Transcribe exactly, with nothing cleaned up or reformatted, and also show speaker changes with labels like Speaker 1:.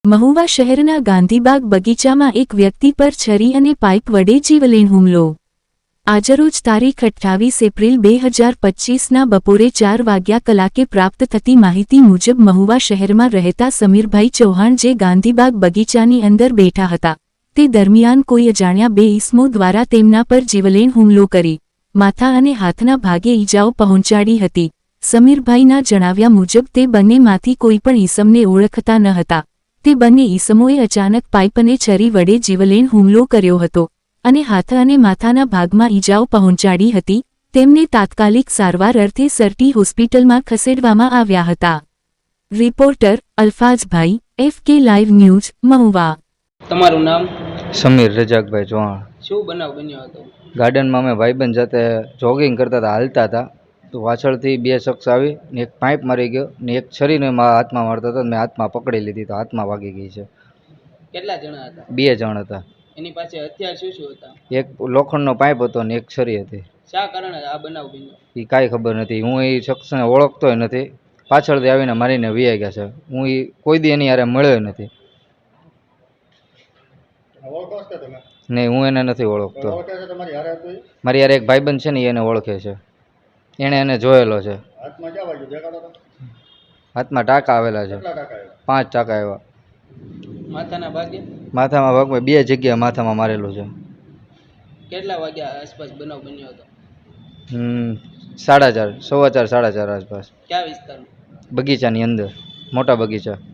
Speaker 1: મહુવા શહેરના ગાંધીબાગ બગીચામાં એક વ્યક્તિ પર છરી અને પાઇપ વડે જીવલેણ હુમલો. આજરોજ તારીખ અઠ્ઠાવીસ એપ્રિલ બે હજાર પચ્ચીસના બપોરે ચાર વાગ્યા કલાકે પ્રાપ્ત થતી માહિતી મુજબ મહુવા શહેરમાં રહેતા સમીરભાઈ ચૌહાણ જે ગાંધીબાગ બગીચાની અંદર બેઠા હતા તે દરમિયાન કોઈ અજાણ્યા બે ઈસમો દ્વારા તેમના પર જીવલેણ હુમલો કરી માથા અને હાથના ભાગે ઈજાઓ પહોંચાડી હતી. સમીરભાઈના જણાવ્યા મુજબ તે બંનેમાંથી કોઈ પણ ઈસમને ઓળખતા ન હતા. તે બંને ઈસમોએ અચાનક પાઇપ અને છરી વડે જીવલેણ હુમલો કર્યો હતો અને હાથ અને માથાના ભાગમાં ઈજાઓ પહોંચાડી હતી. તેમને તાત્કાલિક સારવાર અર્થે સરટી હોસ્પિટલમાં ખસેડવામાં આવ્યા હતા. રિપોર્ટર અલ્ફાઝભાઈ, F K live news, Mahuva.
Speaker 2: તમારું નામ?
Speaker 3: સમીર રજાકભાઈ ચૌહાણ.
Speaker 2: શું બનાવ બન્યો હતો?
Speaker 3: ગાર્ડનમાં અમે ભાઈબંધ સાથે જોગિંગ કરતા હતા, હાલતા હતા તો પાછળથી બે શખ્સ આવી ને એક પાઇપ મારી ગયો ને એક છરીને મારા હાથમાં મારતા હતા. મેં હાથમાં પકડી લીધી તો હાથમાં વાગી ગઈ છે.
Speaker 2: કેટલા જણા હતા?
Speaker 3: બે જણ હતા.
Speaker 2: એની પાસે હથિયાર શું શું હતા?
Speaker 3: એક લોખંડનો પાઇપ હતો ને એક છરી હતી.
Speaker 2: શા કારણે આ બનાવ બન્યો
Speaker 3: એ કાંઈ ખબર નથી. હું એ શખ્સને ઓળખતોય નથી. પાછળથી આવીને મારીને વીઆઈ ગયા છે. હું એ કોઈ દી એની યારે મળ્યો નથી. નહીં, હું એને નથી ઓળખતો. મારી યાર એક ભાઈબંધ છે ને એને ઓળખે છે. એણે એને જોયેલો છે. હાથમાં ટાંકા આવેલા છે. પાંચ ટાંકા આવ્યા.
Speaker 2: માથાના ભાગે?
Speaker 3: માથામાં ભાગમાં બે જગ્યાએ માથામાં મારેલું છે.
Speaker 2: કેટલા વાગ્યા આસપાસ બનાવ બન્યો હતો?
Speaker 3: હમ સાડા ચાર સવા ચાર સાડા ચાર આસપાસ.
Speaker 2: કયા વિસ્તારમાં?
Speaker 3: બગીચાની અંદર, મોટા બગીચા.